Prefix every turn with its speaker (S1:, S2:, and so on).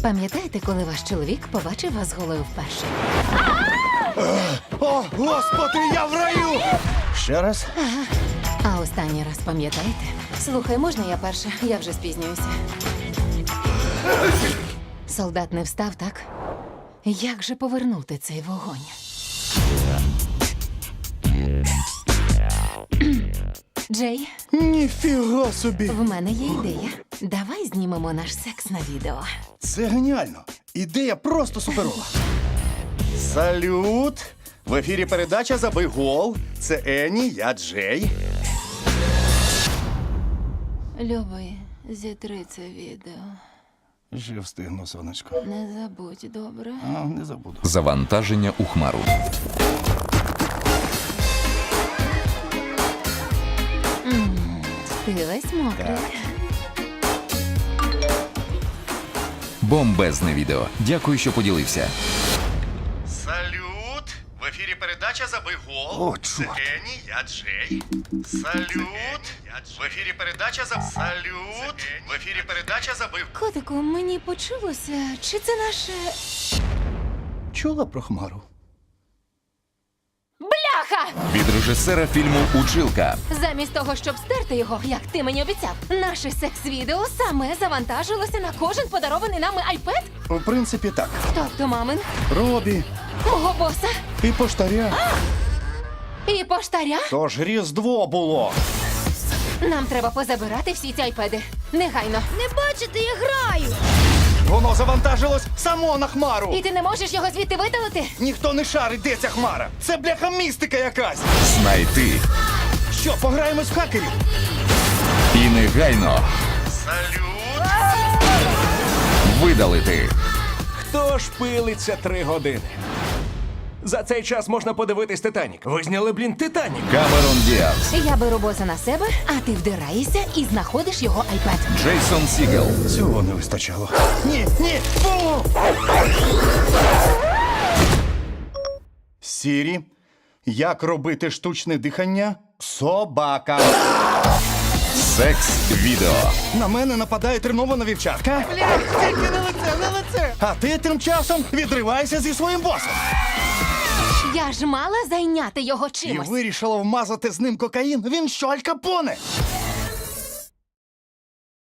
S1: Пам'ятаєте, коли ваш чоловік побачив вас голою вперше?
S2: О, господи, я в раю! Ще раз?
S1: А останній раз пам'ятаєте? Слухай, можна я перша? Я вже спізнююся. Солдат не встав, так? Як же повернути цей вогонь? Джей,
S2: Ніфіга собі!
S1: в мене є ідея. Давай знімемо наш секс на відео.
S2: Це геніально! Ідея просто суперова. Салют! В ефірі передача «Забий гол». Це Ені, я Джей.
S1: Любий, зітри це відео.
S2: Ще встигну, сонечко.
S1: Не забудь, добре?
S2: А, не забуду.
S3: Завантаження у хмару.
S1: Ти весь мокрий.
S3: Бомбезне відео. Дякую, що поділився.
S2: Салют! В ефірі передача «Забий гол». О, Це чорт. Ені, я Джей. Салют! В ефірі передача Салют! В ефірі передача «Забий гол».
S1: Котику, мені почулося, чи це наше...
S2: Чула про Хмару?
S1: Бляха!
S3: Від режисера фільму «Училка».
S1: Замість того, щоб стерти його, як ти мені обіцяв, наше секс-відео саме завантажилося на кожен подарований нами айпед?
S2: У принципі, так.
S1: Тобто мамин,
S2: Робі
S1: мого боса
S2: і поштаря.
S1: і поштаря.
S2: Тож Різдво було.
S1: Нам треба позабирати всі ці айпеди. Негайно.
S4: Не бачите, я граю!
S2: Воно завантажилось само на Хмару.
S1: І ти не можеш його звідти видалити?
S2: Ніхто не шарить, де ця Хмара. Це бляха містика якась.
S3: Знайти.
S2: Що, пограємось в хакерів?
S3: І негайно
S2: Салют!
S3: видалити.
S5: Хто ж пилиться 3 години? За цей час можна подивитись «Титанік». Ви зняли, блін, «Титанік».
S3: Камерон Діаз.
S1: Я беру боса на себе, а ти вдираєшся і знаходиш його айпед.
S3: Джейсон Сігел.
S2: Цього не вистачало. Ні, ні! Фу! Сірі, як робити штучне дихання собакам?
S3: Секс-відео.
S2: На мене нападає тренована вівчарка. Тільки не лице, не лице! А ти тим часом відриваєшся зі своїм босом.
S1: Я ж мала зайняти його
S2: І
S1: чимось.
S2: вирішила вмазати з ним кокаїн. Він що, Аль Капоне?